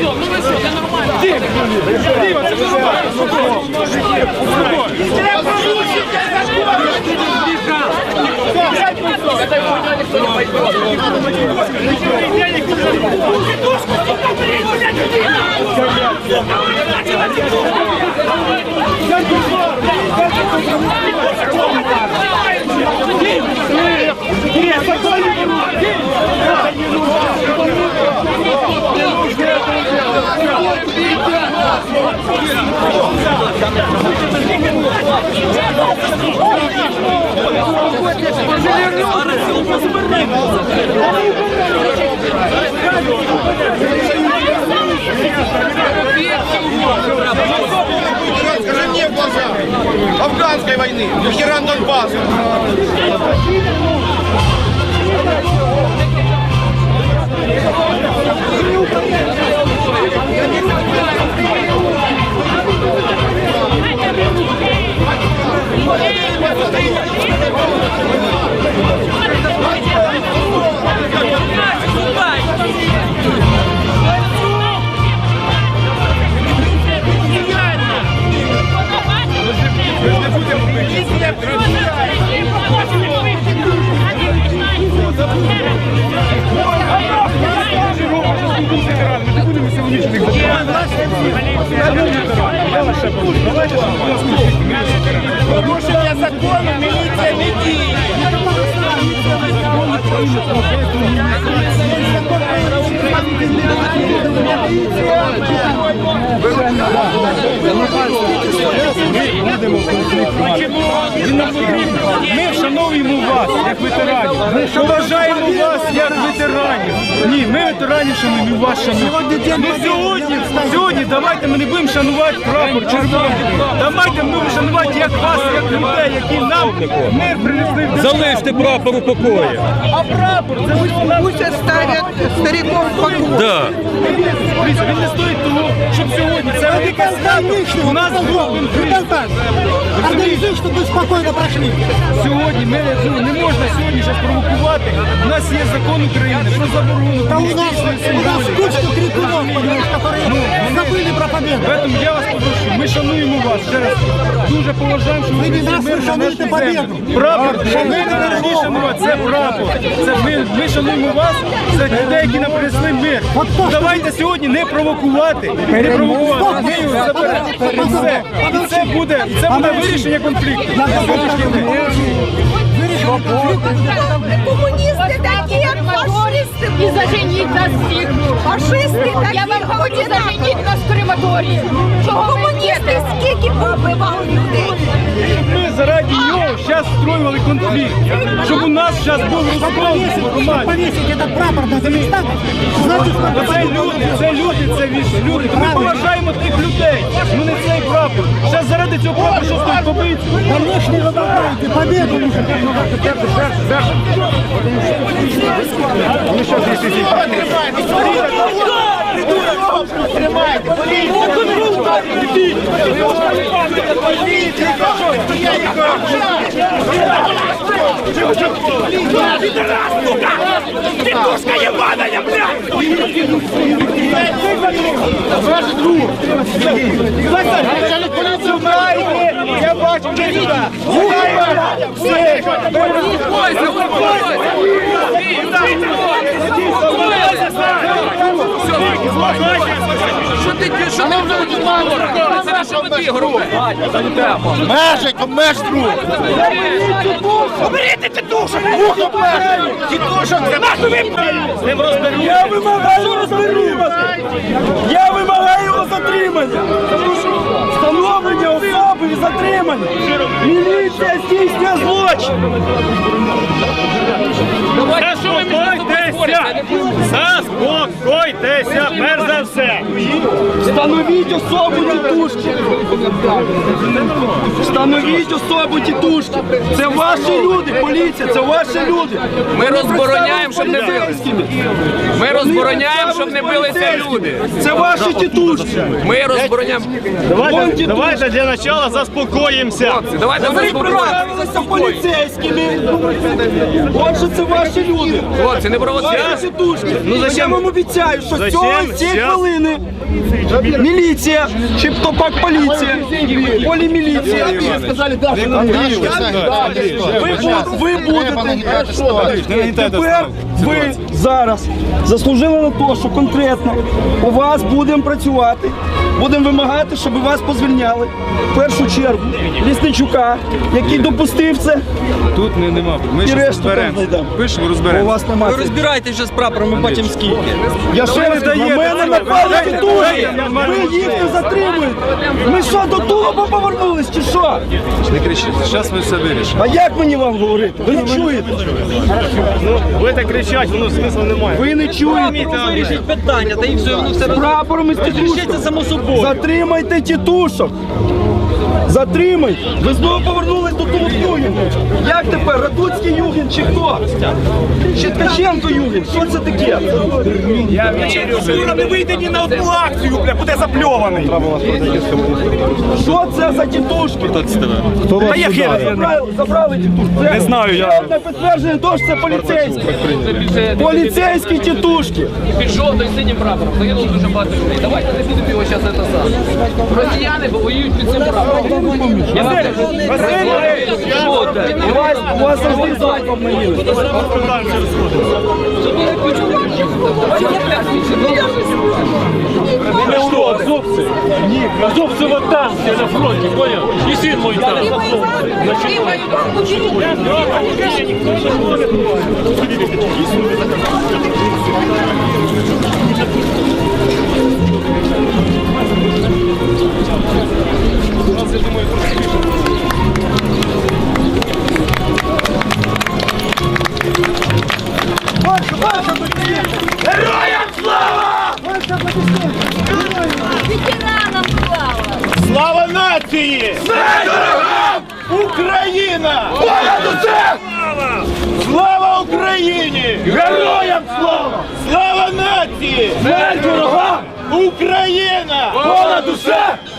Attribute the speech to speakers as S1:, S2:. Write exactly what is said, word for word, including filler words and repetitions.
S1: Ну ви що, це нормально. Діва, це нормально.
S2: Скажи мне в глаза афганской войны, Херан Донбасса. Порушення закону міліція не діє.
S1: Ми вшановуємо вас, як ветеранів. Ми поважаємо вас, як ветеранів. Ні, ми ветеранів шануємо, вас шануємо. Ну сьогодні, сьогодні давайте ми не будемо шанувати прапор червоний. Давайте ми будемо шанувати як вас, як людей, які нам мир принесли.
S3: Залиште прапор у покої.
S1: А прапор, це ви нам...
S4: Пусть оставят стариков в покое.
S3: Да.
S1: Дивіться, він не стоїть того, щоб сьогодні це велика свято. У нас був конфлікт.
S5: Организуй, чтобы вы спокойно прошли.
S1: Сьогодні ми ну, не можна сьогодні щось провокувати. У нас є закон України про заборону
S5: Да у нас,
S1: комуністичної
S5: у нас
S1: символіки.
S5: кучка крикунов, понимаешь, которые забыли про победу.
S1: Тому я вас попрошу, ми шануємо вас ще раз. Дуже поважаємо, що ви
S5: Ви не
S1: принесли
S5: нас,
S1: мир
S5: ви
S1: на нашу
S5: шануєте победу.
S1: землю. Прапор, що ми не повинні шанувати, це прапор. Це ми, ми шануємо вас, це людей, які нам принесли мир. Давайте сьогодні не провокувати, не провокувати. Ми його заберемо. І все. І це буде, і це буде вирішення конфлікту.
S4: Коммунисты такие, фашисты.
S6: І заженіть нас всіх.
S4: Фашисты такие.
S6: Я вам хочу заженіть нас в крематорії. Чого ви
S4: Комуністи
S6: йдете?
S4: скільки побивали людей.
S1: Ми заради нього зараз строювали конфлікт, щоб у нас зараз був розкол в громаді.
S5: Повесить этот прапор на Казахстан. Знаете, сколько
S1: Це люди, це люди, це віж люди. Ми поважаємо тих людей, ну не цей прапор. Зараз заради цього прапору що стоїть побити.
S5: Конечно, вы выбираете победу.
S2: Петушка ебаная, блядь! Начальник поліції знаєте, я бачу, ви сюди. Все,
S1: Що ти, що ти вже говориш? Це наша воді, грубе.
S2: Межик, обмеж друг! Оберіть тітушок! Вух обмеж! Тітушок, це нашу випадку!
S1: Я вимагаю розберігати! Я вимагаю його затримання! Встановлення особи і затримання! Міліція здійснює злочин! Заспокойтеся! Заспокойтеся, перш за все!
S7: Встановіть особу тітушки. Встановіть особу тітушки. Це ваші люди, поліція, це ваші люди.
S8: Ми розбороняємо, щоб не билися. Ми розбороняємо, щоб не билися люди.
S7: Це ваші тітушки.
S8: Ми розбороняємо.
S1: Давайте, давайте для начала заспокоїмося.
S8: Хлопці, давайте
S7: Ви
S8: заспокоїмося.
S7: представилися поліцейськими. Отже, це ваші люди.
S8: Хлопці, не провоцюйте.
S7: Ваші тітушки.
S1: Ну, зачем?
S7: Я вам обіцяю, що
S1: Зачем?
S7: цього цієї
S1: Щас.
S7: хвилини міліція, чи то пак поліція, поліміліція. Ви, бу- ви будете, тепер ви зараз заслужили на те, що конкретно у вас будемо працювати, будемо вимагати, щоб вас позвільняли. В першу чергу Лісничука, який допустив це,
S1: Тут не, нема. Ми
S7: і
S1: ще
S7: решту там
S1: розберемося.
S7: знайдемо.
S1: Пишемо,
S7: У
S1: розберемося.
S7: вас немає.
S3: Розбирайте вже з прапором, ми бачимо скільки.
S7: Я ще раз, на мене напали тітушки, ви їх не затримуєте. Ми що, до Тулуба повернулись чи що?
S1: Не кричіть, зараз ми все вирішимо.
S7: А як мені вам говорити? Ви не чуєте?
S1: Ви так кричать, воно смисла немає.
S7: Ви не чуєте?
S3: Вирішіть питання, та і все, воно все
S7: Прапором із
S3: розрішиться
S7: тітушком.
S3: само собою.
S7: Затримайте тітушок. Затримайте. Ви знову повернулись до того Югіна. Як тепер? Радуцький Югін чи хто? Чи Ткаченко Югін? Що це таке?
S1: Юра, не вийде ні на одну акцію, бля, буде запльований.
S7: Що це за тітушки?
S1: Хто вас
S7: Забрали, забрали тітушки.
S1: Не знаю, я-
S7: Ще одне підтвердження того, що це поліцейські. Поліцейські тітушки.
S8: Під жовтою синім прапором загинуло дуже багато людей. Давайте не будемо його зараз це саме. Росіяни воюють під цим прапором. Я вам кажу,
S7: У вас, у вас завжди залпом наїли.
S1: Ні, азовці вот там, я на фронті, понял? І син мой там.
S4: Ветеранам слава!
S1: Слава нації!
S2: Україна! Понад усе! Слава Україні! Героям слава! Слава нації! Смерть ворогам! Україна! Понад усе!